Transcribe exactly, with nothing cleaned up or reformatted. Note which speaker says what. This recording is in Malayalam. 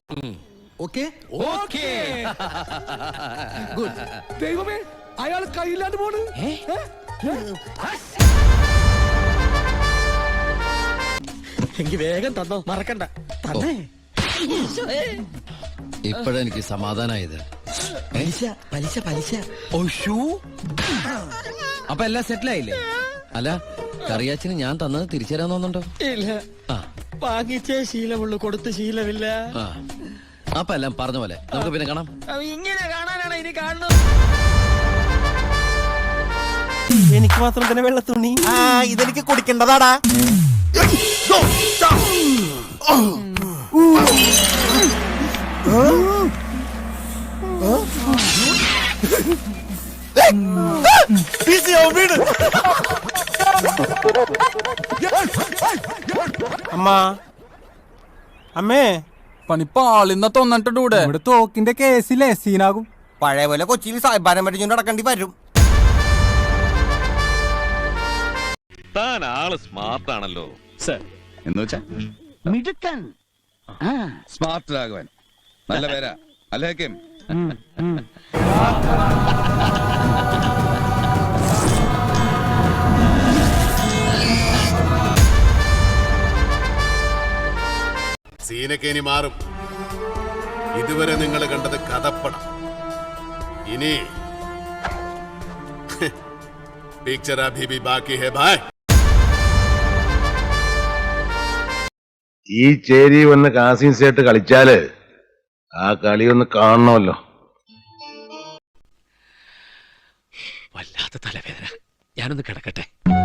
Speaker 1: Okay
Speaker 2: okay
Speaker 1: good. ദൈവമേ, അയാൾ കയ്യില്ലാണ്ട് പോണ്.
Speaker 2: എനിക്ക് വേഗം തന്നോ, മറക്കണ്ട. തന്നേ.
Speaker 3: ഇപ്പോഴെനിക്ക് സമാധാനായത്.
Speaker 2: പലിശ പലിശ പലിശ.
Speaker 3: അപ്പൊ എല്ലാം സെറ്റിലായില്ലേ? അല്ല, കറിയാച്ചിന് ഞാൻ തന്നത് തിരിച്ചു തരാൻ തോന്നുന്നുണ്ടോ?
Speaker 2: ഇല്ല, വാങ്ങിച്ചേ ശീലമുള്ളൂ, കൊടുത്ത് ശീലമില്ല.
Speaker 3: ആ, അപ്പൊ എല്ലാം പറഞ്ഞ പോലെ നമുക്ക് പിന്നെ കാണാം.
Speaker 2: ഇങ്ങനെ കാണാനാണ് ഇനി കാണുന്നത്. എനിക്ക് മാത്രം തന്നെ വെള്ളത്തുണി.
Speaker 4: ആ, ഇതെനിക്ക് കുടിക്കേണ്ടതാടാ.
Speaker 5: അമ്മ, അമ്മേ,
Speaker 6: പണിപ്പാളിന്ന തൊന്നിട്ടൂടെ
Speaker 5: ഇവിടെ തോക്കിന്റെ കേസിലെ സീനാകും.
Speaker 4: പഴയ പോലെ കൊച്ചിയിൽ സായിബാനം പഠിച്ചുകൊണ്ട് നടക്കേണ്ടി വരും.
Speaker 7: താൻ ആള് സ്മാർട്ട് ആണല്ലോ.
Speaker 8: എന്ന് വെച്ചാ
Speaker 6: മിടുക്കൻ.
Speaker 8: സ്മാർട്ട് രാഘവൻ നല്ല പേരാ അല്ലേക്കും.
Speaker 9: സീനൊക്കെ ഇനി മാറും. ഇതുവരെ നിങ്ങൾ കണ്ടത് കഥപ്പടം. ഇനി പിക്ചർ അഭി ഭി ബാക്കി ഹേ ഭായ്.
Speaker 10: ഈ ചേരി വന്ന് കാസിം സേട്ട് കളിച്ചാല് ആ കളി ഒന്ന് കാണണമല്ലോ.
Speaker 3: വല്ലാത്ത തലവേദന, ഞാനൊന്ന് കിടക്കട്ടെ.